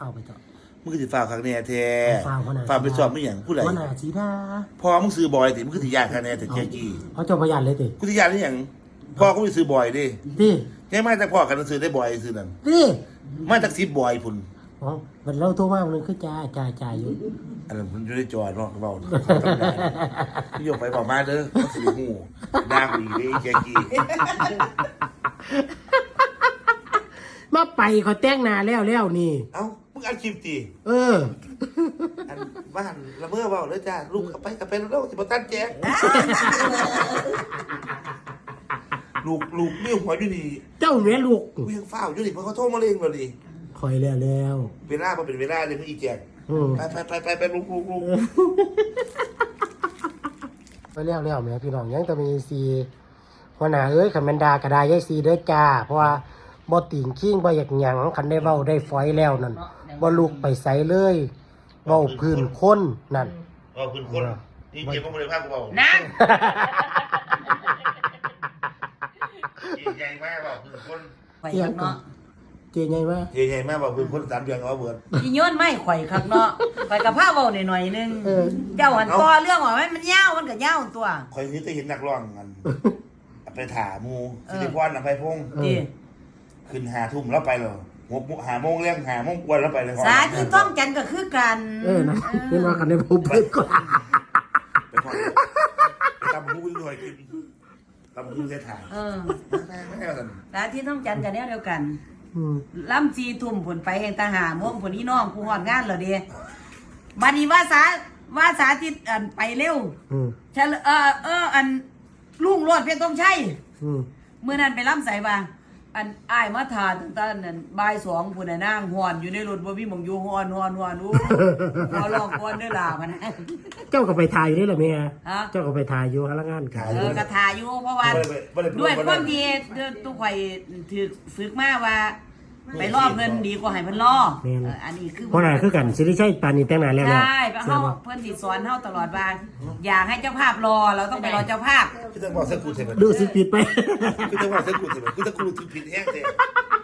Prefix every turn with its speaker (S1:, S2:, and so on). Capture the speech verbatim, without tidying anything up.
S1: เอาไปต่อ
S2: มึงคือสิฟ้าวครั้งแน่แท้
S1: ฟ้าวขนาด
S2: ฟ้าวไปสอบไม่หยังผู้ใด
S1: ขนาดสีดา
S2: พอมึงซื้อบอยติมึงคือสิยากครั้งแน่แต่เจ๊กี้
S1: เขาจบประหยัดเลยติ
S2: กูสิยากนี่หยังพ่อกูสิซื้อบอยดิ
S1: ดิ
S2: แค่มาจากพ่อกันซื้อได้บอยซื้อนั่น
S1: ดิ
S2: มาจากสิบบอยพุ่น
S1: อ๋อมันเล่าตัวมากนึงคือจ่าจ่าจ่าอยู่
S2: อันนั้นมันอยู่ในจอเนาะเว้าพี่ยกไปบอกมาเด้อมันสิฮู้ด่ากูอีกเด้เจ๊กี้
S1: มาไปเขาแต่งหน้าแล้วแล้วนี่
S2: เอ้ามึงอัดคลิปติ
S1: เออ
S2: อันบ้านละเมอเว้าเด้อจ้าลูกกลับไปกลับไปแล้วสิบ่ตันแจ๊กลูกลูกมีหัวอยู่นี่
S1: เจ้าแม่ลูก
S2: กูยังเฝ้าอยู่นี่เพราะเขาโทรมาเล่งเราดิ
S1: คอยแล้วแล้ว
S2: เวลามันเป็นเวลาเลยมึงอีแจก
S1: อืม
S2: ไปไปไปไปไปลุกลุกลุก
S1: ไปแล้วแล้วแม่พี่น้องยังจะมีซีหัวหน้าเอ้ยขันแมนดากระดายยายซีเด้อจ้าเพราะว่าบ่ติ่งขิ้งบ่อยากหยังคันได้เว้าได้ฝอยแล้วนั่นบ่ลุกไปใส่เลยเว้าพื้นคนนั่น
S2: เอาคุณคนนี่เกี่ยวกับบริภาคกูเปล่า
S3: นั่น
S2: ใหญ่มากเปล่าคุณคน
S3: ข่อยคักเนาะ
S1: เจไงวะ
S2: ใหญ่มากเปล่าคุณคนสามเดือนเอาเบิด
S3: อีโยนไม่ข่อยคักเนาะข่อยกับผ้าเบาหน่อยๆนึงเจ้าหันต่อเรื่องว่ามันมันยาวมันก็ยาวตัว
S2: คอยนี้จะเห็นนักร้องกันไปถามูสิริพรอภัยพงศ์
S3: ดี
S2: ขึ้นหาทุ่มแล้วไปเลยหกหาโมงเลี้ยงหาโมงกวนแล้วไปเลย
S3: สาธิตต้องจันก็คือกัน
S1: เออนะเห็นว่ากันได้ผมเพิ่นก็
S2: ไปพอไปตำหูด้วยกินตำหูใส่ถา
S3: เออ
S2: ไม่ไม่เอาสัน
S3: สาธิตต้องจันกันแนวเดียวกัน
S1: อืม
S3: ล่ำจีทุ่มผลไปแห่งตาหาม่วงผลนี้น้องกูหอดงานเหรอเดีบัดนี้ว่าสาว่าสาธิตอันไปเร็ว
S1: อืม
S3: เฉลเออเอออันลุงโลดเพียงต้องใช่
S1: อืม
S3: เมื่อนั้นไปล่ำใส่ว่าอันอ้ายมาทานตั้งแต่นั้นบ่ายสองพุ่นน่ะนางหอนอยู่ในรถบ่มีหม่องอยู่หอนหอนหอนอู้ขอลองก่อนเด้อล่ะพะนะ
S1: เจ้าก็ไปถ่ายอยู่นี่แหละแม่
S3: ฮะ
S1: เจ้าก็ไปถ่ายอยู่พลังงานขาย
S3: เออกระทาอยู่เพราะว่าด้วยความที่เด้อตู้ข่อยถือฝึกมาว่า ไปล่อเพิ่นดีกว่าให้เพิ่นล่อเอออันนี้คือ
S1: เพราะน่ะคือกันสิริชัยปานนี้แต่งหน้าแล้วแล้ว
S3: ใช่เพราะเฮาเพิ่นสิสอนเฮาตลอดว่าอยากให้เจ้าภาพรอเราต้องไปรอเจ้าภาพ
S2: คือจะบอกเส้นกูเสร็จ
S1: ดูสิผิดไป
S2: คือจะบอกเส้นกูเสร็จคือจะกูถือผิดแห้งเสร็จ